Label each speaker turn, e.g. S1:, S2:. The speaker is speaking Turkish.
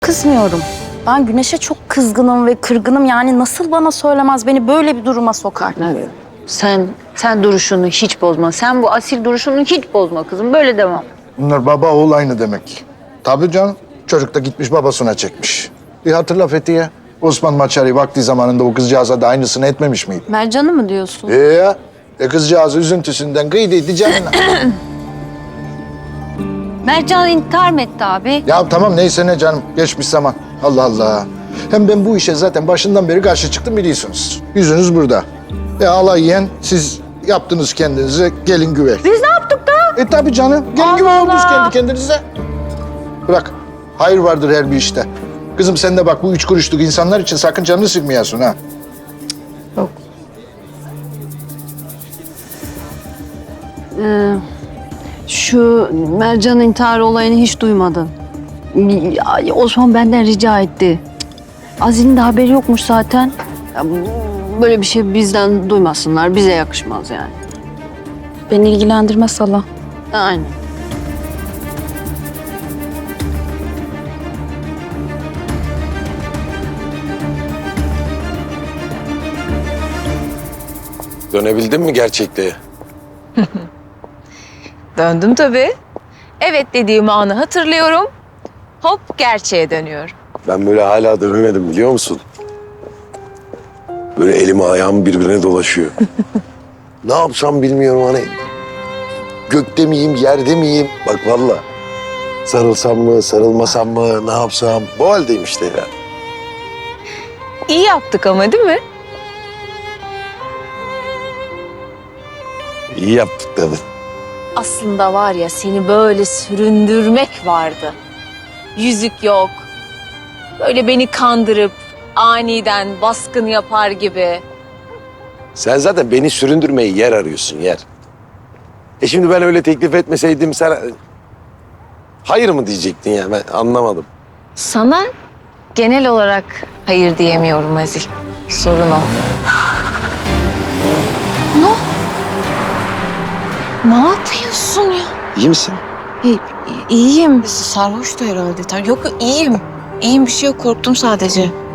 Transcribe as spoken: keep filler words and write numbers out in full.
S1: Kızmıyorum. Ben Güneş'e çok kızgınım ve kırgınım. Yani nasıl bana söylemez, beni böyle bir duruma sokar?
S2: Evet. Sen sen duruşunu hiç bozma. Sen bu asil duruşunu hiç bozma kızım. Böyle devam.
S3: Bunlar baba oğul aynı demek. Tabii canım. Çocuk da gitmiş babasına çekmiş. Bir hatırla Fethiye. Osman Maçari vakti zamanında o kızcağıza da aynısını etmemiş miydi?
S2: Mercan'ı mı diyorsun?
S3: Ee ya. E kızcağız üzüntüsünden kıydıydı canına.
S2: Mercan intihar mı etti abi?
S3: Ya tamam neyse ne canım. Geçmiş zaman. Allah Allah. Hem ben bu işe zaten başından beri karşı çıktım biliyorsunuz. Yüzünüz burada. E alay yiyen siz yaptınız kendinize gelin güvey.
S2: Biz ne yaptık da?
S3: E tabii canım. Gelin
S2: Allah
S3: güvey oldunuz
S2: Allah.
S3: kendi kendinize. Bırak. Hayır vardır her bir işte. Kızım sen de bak bu üç kuruşluk insanlar için sakın canını sıkmayasın ha.
S2: Yok. Ee, şu Mercan intihar olayını hiç duymadın. Ya, Osman benden rica etti. Azil'in de haberi yokmuş zaten. Ya, bu- böyle bir şey bizden duymasınlar. Bize yakışmaz yani.
S1: Beni ilgilendirmez hala.
S2: Aynen.
S4: Dönebildin mi gerçekliğe?
S5: Döndüm tabii. Evet dediğim anı hatırlıyorum. Hop gerçeğe dönüyorum.
S4: Ben böyle hala dönemedim biliyor musun? Böyle elim ayağım birbirine dolaşıyor. Ne yapsam bilmiyorum hani. Gökte miyim, yerde miyim? Bak valla. Sarılsam mı, sarılmasam mı, ne yapsam? Bu haldeyim işte ya.
S5: İyi yaptık ama değil mi?
S4: İyi yaptık tabii.
S5: Aslında var ya seni böyle süründürmek vardı. Yüzük yok. Böyle beni kandırıp aniden baskın yapar gibi.
S4: Sen zaten beni süründürmeyi yer arıyorsun, yer. E şimdi ben öyle teklif etmeseydim sen... Hayır mı diyecektin ya? Ben anlamadım.
S5: Sana genel olarak hayır diyemiyorum Azil. Sorun o. Ne? Ne yapıyorsun ya?
S4: İyi misin?
S5: İyi, iyiyim. Sarhoştu herhalde. Yok iyiyim. İyiyim bir şey yok. Korktum sadece.